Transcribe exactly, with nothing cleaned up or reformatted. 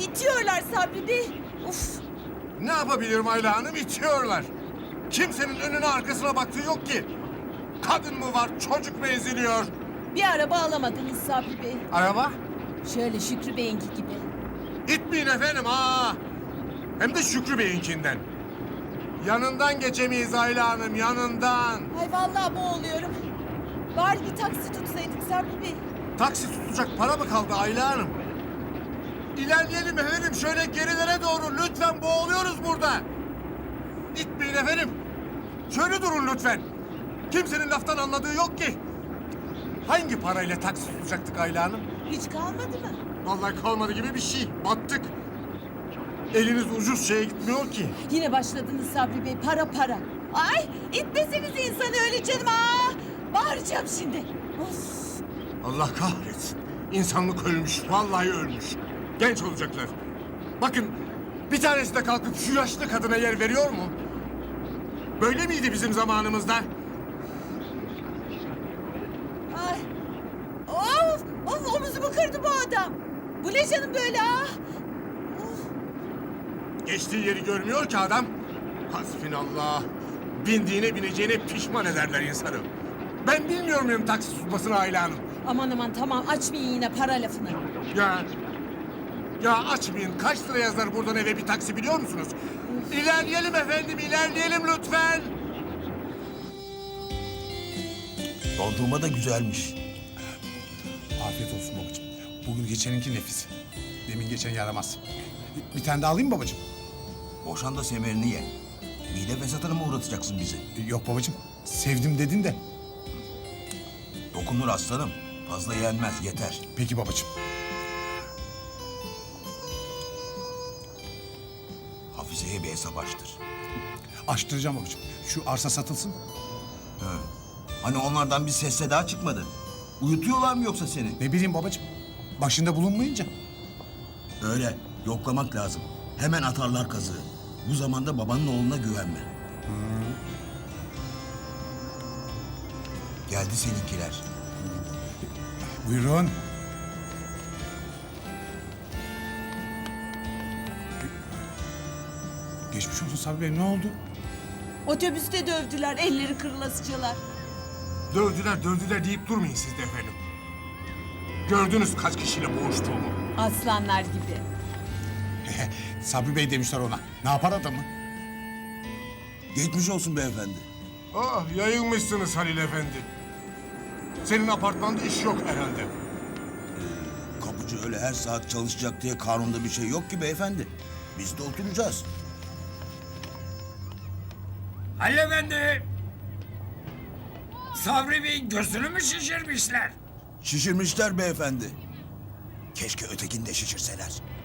itiyorlar Sabri Bey. Uf. Ne yapabilirim Ayla Hanım? İtiyorlar. Kimsenin önüne arkasına baktığı yok ki. Kadın mı var, çocuk mu eziliyor? Bir araba alamadınız Sabri Bey. Araba? Şöyle Şükrü Bey'inki gibi. İtmeyin efendim ha. Hem de Şükrü Bey'inkinden. Yanından geçemeyiz Ayla Hanım, yanından. Ay vallahi boğuluyorum. Bari bir taksi tutsaydık Sabri Bey. Taksi tutacak para mı kaldı Ayla Hanım? İlerleyelim efendim, şöyle gerilere doğru. Lütfen, boğuluyoruz burada. İtmeyin efendim. Şöyle durun lütfen. Kimsenin laftan anladığı yok ki. Hangi parayla taksi tutacaktık Ayla Hanım? Hiç kalmadı mı? Vallahi kalmadı gibi bir şey. Battık. Eliniz ucuz şeye gitmiyor ki. Yine başladınız Sabri Bey. Para para. Ay itmeseniz insanı öyle canım. Aa, bağıracağım şimdi. Of. Allah kahretsin. İnsanlık ölmüş. Vallahi ölmüş. Genç olacaklar. Bakın, bir tanesi de kalkıp şu yaşlı kadına yer veriyor mu? Böyle miydi bizim zamanımızda? Ay. Of. Of omuzumu kırdı bu adam. Bu ne canım böyle ah. Of. Geçtiği yeri görmüyor ki adam. Hasbinallah. Bindiğine bineceğine pişman ederler insanı. Ben bilmiyor muyum taksi tutmasını Ayla Hanım? Aman aman tamam açmayın yine para lafını. Ya, ya açmayın. Kaç lira yazar buradan eve bir taksi biliyor musunuz? İlerleyelim efendim, ilerleyelim lütfen. Dondurma da güzelmiş. Afiyet olsun babacığım. Bugün geçeninki nefis. Demin geçen yaramaz. Bir tane daha alayım mı babacığım? Boşan da semerini ye. Mide fesatına mı uğratacaksın bizi? Yok babacığım. Sevdim dedin de. Dokunur aslanım. Fazla yenmez, yeter. Peki babacığım. Hafize'ye bir hesap açtır. Açtıracağım babacığım. Şu arsa satılsın. Ha. Hani onlardan bir ses seda çıkmadı. Uyutuyorlar mı yoksa seni? Ne bileyim babacığım. Başında bulunmayınca. Öyle, yoklamak lazım. Hemen atarlar kazığı. Bu zamanda babanın oğluna güvenme. Geldi seninkiler. Buyurun. Geçmiş olsun Sabri Bey. Ne oldu? Otobüste dövdüler elleri kırılasıcalar. Dövdüler, dövdüler deyip durmayın siz de efendim. Gördünüz kaç kişiyle boğuştuğumu. Aslanlar gibi. Sabri Bey demişler ona. Ne yapar adamı? Geçmiş olsun beyefendi. Ah, yayılmışsınız Halil Efendi. Senin apartmanda iş yok herhalde. Kapıcı öyle her saat çalışacak diye kanunda bir şey yok ki beyefendi. Biz de oturacağız. Halil Efendi! Sabri Bey'in gözünü mü şişirmişler? Şişirmişler beyefendi. Keşke ötekini de şişirseler.